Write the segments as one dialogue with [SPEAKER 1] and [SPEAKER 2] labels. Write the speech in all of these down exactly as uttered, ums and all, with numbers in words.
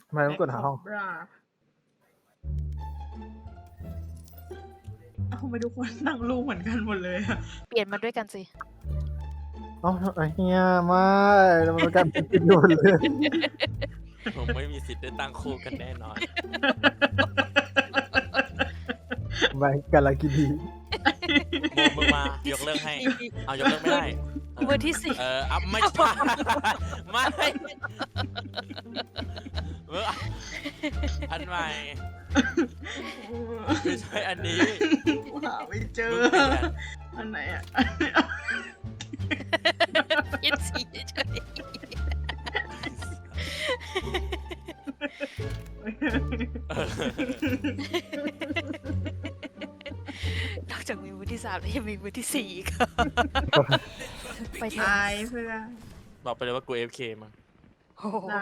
[SPEAKER 1] ทำไมต้องกดหาห้อง
[SPEAKER 2] เอาทำไมทุกคนนั่งรูปเหมือนกันหมดเลยอะ
[SPEAKER 3] เปลี่ยนมาด้วยกันสิ
[SPEAKER 1] เอ้าไอ้เฮียไม่แล้วมันกันติดอยู่เลย
[SPEAKER 4] ผมไม่มีสิทธิ์ได้ตั้งคู่กันแน่นอน
[SPEAKER 1] ไม่กันละกินดี
[SPEAKER 4] โมมึงมายกเลิกให้ เอายกเลิกไม่ได้
[SPEAKER 3] มือที่สี่
[SPEAKER 4] เอออัพไม่ใช่ไม่เอออันใหม่ไม่ใช่อันนี้
[SPEAKER 2] หาไม่เจอ
[SPEAKER 4] มึงเปลี่ยน
[SPEAKER 2] อันไหนอ่ะ
[SPEAKER 3] ยินสีเฉยนอกจากมีมือที่สามแล้วยังมีมือที่สี่อีกไปเถอะ
[SPEAKER 2] ตายเพื่อน
[SPEAKER 4] บอกไปเลยว่ากู เอฟ เค มั้ง
[SPEAKER 3] โอ้โห
[SPEAKER 2] ได้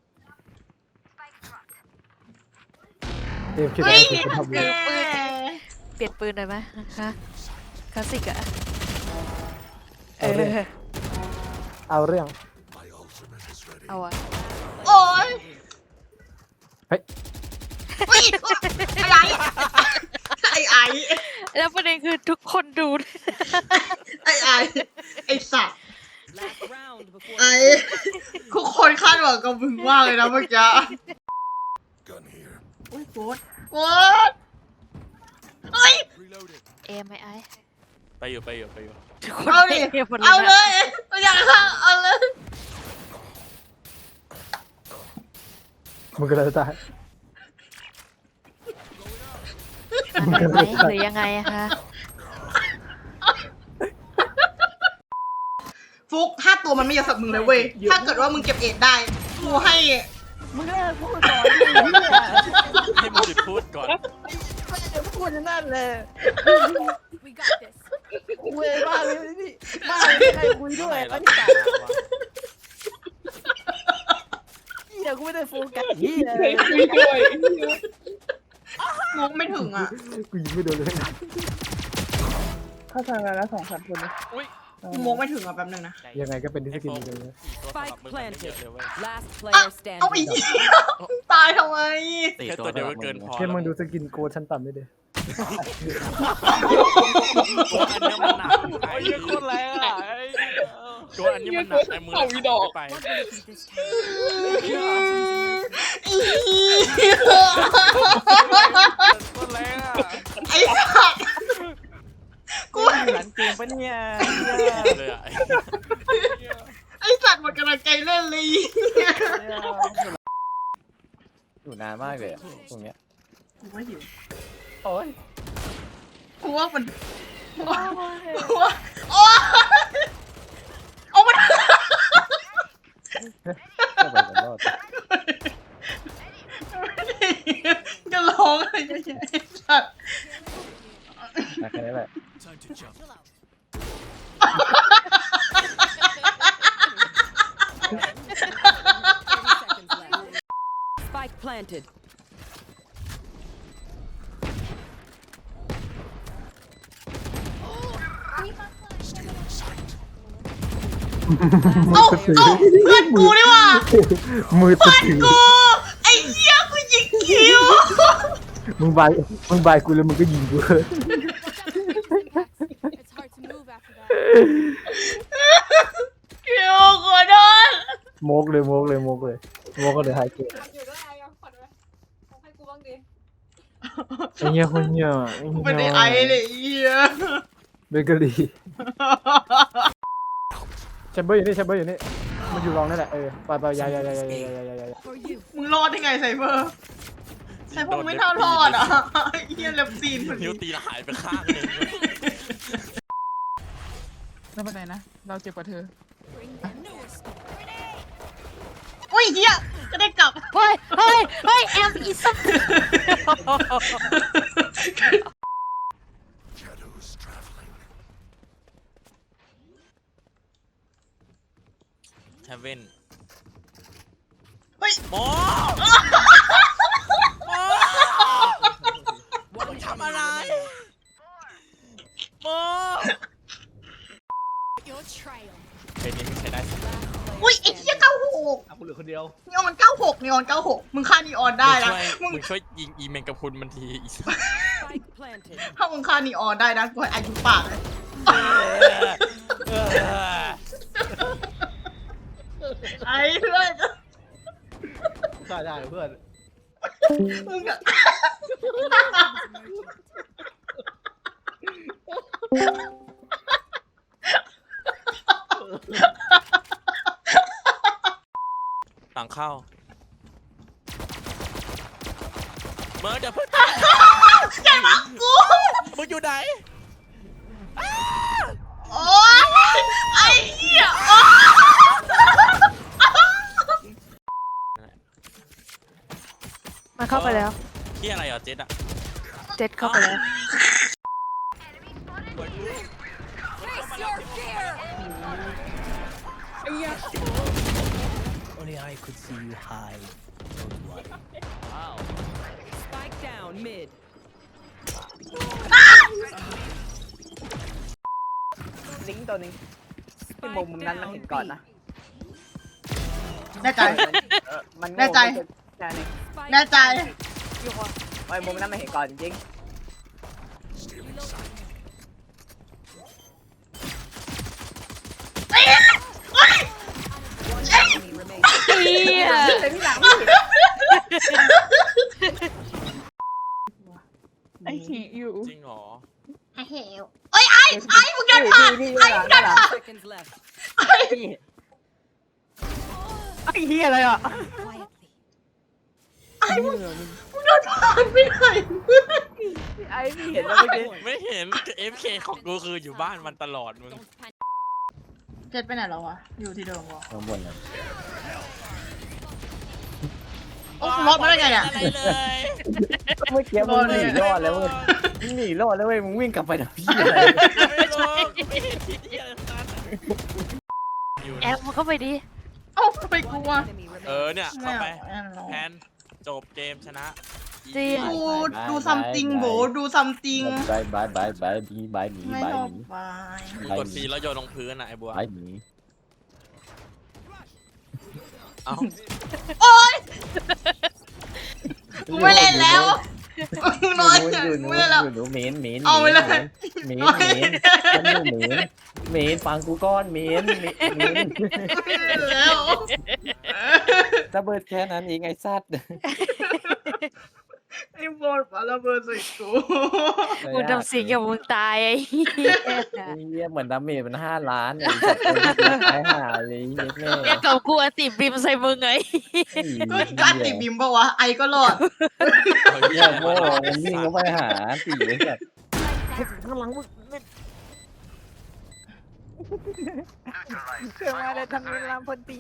[SPEAKER 1] เอ็มคิดว่าจะทำ
[SPEAKER 2] แก
[SPEAKER 1] เลย
[SPEAKER 3] เปลี่ยนปืนหน่อยไหมฮะคลาสสิกอะเออ
[SPEAKER 1] เอาเรื่อง
[SPEAKER 3] เอาอะ
[SPEAKER 2] โอ้ย
[SPEAKER 1] เฮ้ย
[SPEAKER 2] เฮ้ยอะไรไอ้ไอ้
[SPEAKER 3] แล้วประเด็นคือทุกคนดู
[SPEAKER 2] ไอ้ไอ้ไอ้สัตว์ไอ้ทุกคนคาดหวังกับมึงมากเลยนะเมื่อกี้โอ้ยโคตรโคตรเฮ้ย
[SPEAKER 3] เอไหมไอ
[SPEAKER 4] ไปอยู่ไปอยู่ไปอยู่
[SPEAKER 3] ทุกคน
[SPEAKER 2] เอาดิ
[SPEAKER 3] หมด
[SPEAKER 2] เอาเล
[SPEAKER 3] นะ
[SPEAKER 2] ยไม่อยากฆ่าเอาเลย
[SPEAKER 1] มึงก็เลยตาย
[SPEAKER 3] อันไหนไหมหรือยังไงอะคะ
[SPEAKER 2] ฟุกถ้าตัวมันไม่เยอะสับมึงเลยเว้ยถ้าเกิดว่ามึงเก็บเอ็ดได้กูให้
[SPEAKER 5] มึงเลิกพูดก่อนดิเนี่ย
[SPEAKER 4] ให้มึงหยุดพูดก่อน
[SPEAKER 5] ไม่ได้พูดนั่นเลยคุยบ้าเลยพี่บ้าเลยใครคุยด้วย
[SPEAKER 4] แล้
[SPEAKER 5] แล้ว ว
[SPEAKER 4] ที่
[SPEAKER 5] นี่
[SPEAKER 4] ตามวะ
[SPEAKER 5] เฮียกูไม่ได้โฟกัสเฮียเลย
[SPEAKER 2] งงไม่ถึงอ่ะ
[SPEAKER 1] กูยิงไม่โดนเลย
[SPEAKER 5] เข้าใจแล้วสองสามคน
[SPEAKER 4] อุ้ย
[SPEAKER 2] งงไม่ถึงอ่ะแป๊บนึงนะ
[SPEAKER 1] ยังไงก็เป็นที่สกินดีเลย
[SPEAKER 4] ตัวสำหรับมึงมันไม่เยอะเลยเว้ย
[SPEAKER 6] Last
[SPEAKER 2] อ่ะ
[SPEAKER 6] player
[SPEAKER 2] เอาไป
[SPEAKER 6] standing.
[SPEAKER 2] เหี้ยตายทำไม
[SPEAKER 4] แค่ตัวเดียวก็เกินพอ
[SPEAKER 1] แค่
[SPEAKER 4] แล้ว
[SPEAKER 1] มึงดูสกินโกชั้นต่ำได้เลย
[SPEAKER 4] ตัวอันนี้มันหนักไอ้ยี่คนแรงอ่ะตัวอันนี้มันหนักไอ้มือเราไป คนแรงอ่ะ
[SPEAKER 2] ไอ้สัตว์กู
[SPEAKER 5] หลังเกมปะเนี่ย
[SPEAKER 4] เลยอ่ะ
[SPEAKER 2] ไอ้สัตว์หมดกำลังใจเล่นเลย
[SPEAKER 5] อยู่นานมากเลยตรงเนี้ย
[SPEAKER 2] กูว่าหิว
[SPEAKER 5] โอ้ย
[SPEAKER 2] กูว่ามันกูว่ากูว่าโอ้ยเอามัน
[SPEAKER 5] ก็ไปกันรอด
[SPEAKER 2] จะร้องอะไรเยอะแยะไอ้สัตว์
[SPEAKER 5] นะแค่นี้แหละ
[SPEAKER 6] Spike planted.
[SPEAKER 2] เอ้าเอ้าเพื่อนกูนี่หว่า
[SPEAKER 1] มือติดถือ
[SPEAKER 2] กูไอ้เหี้ยกูยิงคิว
[SPEAKER 1] มึงบายมึงบายกูแล้วมึงก็ยิงกู
[SPEAKER 2] คิวขอโทษ
[SPEAKER 1] โมกเลยโมกเลยโมกเลยโมกก็เลยหายเกม
[SPEAKER 7] อยู่ด้วยไอ้ขวัญไว้ให้กูบ้างดิ
[SPEAKER 1] ไอ้เหี้ยคนเหี้ยไอ้
[SPEAKER 2] กู
[SPEAKER 1] เหี้ย
[SPEAKER 2] เป็นไอ้ไอ้เลยไอ้เหี้ย
[SPEAKER 1] เบเกอรี่แชมเบอร์อยู่นี่แชมเบอร์อยู่นี่มันอยู่รองนั่นแหละเออไปไปยายายายายายายายา
[SPEAKER 2] มึงรอดได้ไงไซเบอร์ไซเบอร์ไม่เท่ารอดอ่ะไอ้เหี้ยเล็บซีนคน
[SPEAKER 4] นิ้
[SPEAKER 2] นี้
[SPEAKER 4] วตีหายไปข้างหนึ่ง
[SPEAKER 5] ไม่เป็นไรนะ เราเจ็บกว่าเธอ
[SPEAKER 2] โอ้ยเหี้ยก็ได้กลับ
[SPEAKER 3] เฮ้ยเฮ้ยเฮ้ยแอมอีสัม
[SPEAKER 4] เฮเว่น
[SPEAKER 2] เฮ้ย
[SPEAKER 4] โมโมมึงทำอะไรโม
[SPEAKER 6] your trail.
[SPEAKER 4] เพลงนี้ไม่ใช่ได้สิ
[SPEAKER 2] อุ้ยไอ้เหี้ยเก้าหก
[SPEAKER 8] อ่ะกูเหลือคนเดียว
[SPEAKER 2] นีออนเก้าหกนีออนเก้าหกมึงฆ่านีออนได้นะ
[SPEAKER 4] มึ
[SPEAKER 2] มึ
[SPEAKER 4] ง
[SPEAKER 2] ง
[SPEAKER 4] มึงช่วยยิงอีเมนกับคุณมันทีอีสัส
[SPEAKER 6] Spike planted.
[SPEAKER 2] ถ้ามึงฆ่านีออนได้นะกูให้อายุปากเลย ไอ้เพื่อน
[SPEAKER 8] ฆ่าได้เพื่อน
[SPEAKER 2] มึงอะ
[SPEAKER 4] หลังเข้าเมื่อเดี๋ยวเพิ่ง
[SPEAKER 2] แกมากู
[SPEAKER 4] มึงอยู่ไหน
[SPEAKER 2] โอ๊ยไอ้เหี้ยโอ๊ย
[SPEAKER 3] มันเข้าไปแล้ว
[SPEAKER 4] ที่อะไรเหรอเจ็ดอะ
[SPEAKER 3] เจ็ดเข้าไปแล้ว
[SPEAKER 6] Face your fear.
[SPEAKER 8] Only I could see you hide. Don't worry.
[SPEAKER 6] Spike down mid.
[SPEAKER 5] ลิงก์ตัวนึงที่มุมมุมนั้นมันเห็นก่อนนะ
[SPEAKER 2] แน่ใจ
[SPEAKER 5] เออมันโง่
[SPEAKER 2] แน่ใจ
[SPEAKER 5] แน่นี่
[SPEAKER 6] Spike
[SPEAKER 2] แน่ใจ
[SPEAKER 5] ไอ้มุมนั้นมันเห็นก่อนจริง
[SPEAKER 2] ไอ้โอ๊ย
[SPEAKER 6] enemy remaining.
[SPEAKER 3] เหี้ย
[SPEAKER 5] แต่ที่หลังไม่เห็นไอ้ขี่อยู่
[SPEAKER 4] จริงเหรอ
[SPEAKER 2] ไอ้เหวเอ้ยไอ้ไอ้มึงเดินผ่าน
[SPEAKER 5] นี่
[SPEAKER 2] ไอ้
[SPEAKER 5] นี่
[SPEAKER 2] มึงเดินผ่าน
[SPEAKER 6] Seconds left.
[SPEAKER 5] นี่ไอ้เหี้ยอะไรอ่ะ
[SPEAKER 6] Quietly.
[SPEAKER 2] ไอ้มึงมึงเดินผ่านไม่ได้
[SPEAKER 5] ไอ้พี่เห็นแล้วเมื่อกี้
[SPEAKER 4] ไม่เห็น เอฟ เค ของกูคืออยู่บ้านมันตลอดมึง
[SPEAKER 6] Don't panic.
[SPEAKER 2] เจ็ดไปไหนแล้ววะอยู่ที่เดิมวะ
[SPEAKER 1] ข้างบนนะ
[SPEAKER 2] โอ้กูรอดมาได้ไงอ่ะ
[SPEAKER 4] อะไรเลย
[SPEAKER 1] เมื่อกี้มึงหนีรอดแล้วเว้ยมึงหนีรอดแล้วเว้ยมึงวิ่งกลับไปนะพี่อะไร
[SPEAKER 4] ไม่รู้ไม่เห็นที่เดียวกันอยู่
[SPEAKER 3] แอ
[SPEAKER 4] นะ
[SPEAKER 3] บมันเข้าไปดิ
[SPEAKER 2] เอ้าทำไมกูวะ
[SPEAKER 6] Enemy
[SPEAKER 4] เอ
[SPEAKER 6] remaining.
[SPEAKER 4] อเนี่ย
[SPEAKER 2] ไม่
[SPEAKER 4] เข้าไป
[SPEAKER 2] เอาไม่เอา
[SPEAKER 4] แพนจบเกมชนะ
[SPEAKER 3] จริง
[SPEAKER 2] ดูดูซัมติงโบดูซัมติง
[SPEAKER 1] บายบายบายบายบีบายหมี
[SPEAKER 2] ไม่
[SPEAKER 1] บาย
[SPEAKER 2] ชอ
[SPEAKER 1] ห
[SPEAKER 2] บ
[SPEAKER 1] มี
[SPEAKER 2] ไป
[SPEAKER 4] มึงกดซีแล้วโยนลงพื้นน่ะไอ้บัว
[SPEAKER 1] บายหมี
[SPEAKER 4] เอ้า
[SPEAKER 2] โอ๊ยกูไม่เล่นแล้วกูนอนเถอะกูไม่เล่นแล้ว
[SPEAKER 1] หนูเหม็นเหม็น
[SPEAKER 2] เอาไปเลย
[SPEAKER 1] เหม็นเหม็นฉันอยู่เหม็นเหม็นฟังกูก้อนเหม็นเหม็นเหม็น
[SPEAKER 2] ไม่เล่นแล้ว
[SPEAKER 1] ระเบิดแค่นั้นเองไอ้สัตว์
[SPEAKER 2] ไอ้บอลปาระเบิดใส่กู
[SPEAKER 3] มึงทำสิ่งกับมึงตายไอ้เหี้ย
[SPEAKER 1] ไอ้เหี้ยเหมือนดาเมจมันห้าล้านไอ้สัตว์คนที่ตายหาเลยเหี้ยแม่
[SPEAKER 3] เนี่ยกับกูอะติดบิมใส่มึงไง
[SPEAKER 2] ก็การติดบิมปะวะไอก็รอด
[SPEAKER 4] เอาเหี้
[SPEAKER 1] เหี้
[SPEAKER 4] ย
[SPEAKER 1] ยโง่มันวิ่งเข้าไปหาตีไอ้สัตว์ข้างหลังมึง
[SPEAKER 5] เกิดมาเลยทำเวลาพนตี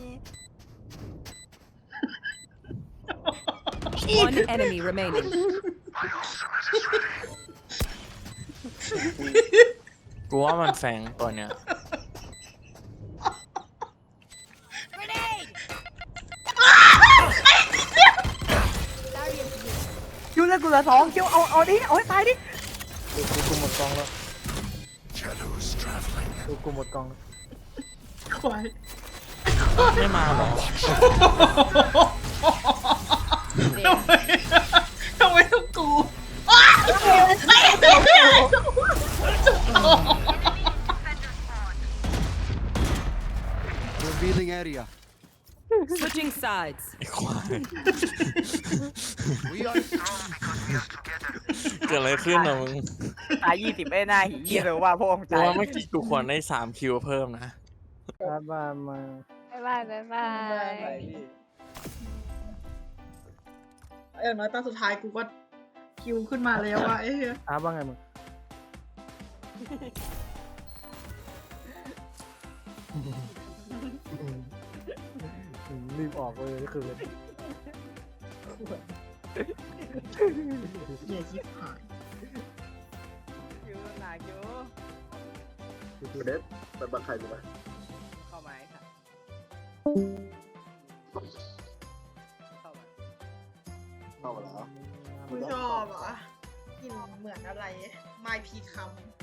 [SPEAKER 6] One enemy remaining.
[SPEAKER 4] กูว่ามันแฝงตัวเนี้ย
[SPEAKER 5] คิวเลือดกูเหลือสองคิวเอาเอาดิเอาให้ตายดิ
[SPEAKER 1] กูกูหมดกองแล้วกูกูหมดกองแล้ว
[SPEAKER 2] ควาย
[SPEAKER 4] ไม่มาหรอ
[SPEAKER 2] ทำไมทำไมต้องกู
[SPEAKER 9] Revealing area.
[SPEAKER 6] Switching sides.
[SPEAKER 4] ไอ้ควาย
[SPEAKER 9] We are strong because we are together.
[SPEAKER 4] เกิดอะไรขึ้นอ่ะมึง
[SPEAKER 5] ตายยี่สิบไอ้หน้าหีเหี้ยเลยว่าพวกมึง
[SPEAKER 4] กู
[SPEAKER 5] ตาย
[SPEAKER 4] ว่าเมื่อกี้กูควรได้สามคิวเพิ่มนะ
[SPEAKER 1] มามามา
[SPEAKER 3] บ๊ายบายบ๊ายบาย
[SPEAKER 2] อย่างน้อยตอนสุดท้ายกูก็คิวขึ้นมาแล้วอะไอ้เหี้ย
[SPEAKER 1] อาบ้างไงมึงรีบออกเลยคือ
[SPEAKER 2] เหี้ยชิบหาย
[SPEAKER 5] คิวหนาคิว
[SPEAKER 1] คือเด็ดเป็นบังใครรู้ไหม
[SPEAKER 5] เข้ามาไอ้ค่ะเข้ามา
[SPEAKER 1] เข้ามาแล้ว
[SPEAKER 2] กูชอบอ่ะกลินเหมือนอะไรไม้พีคำ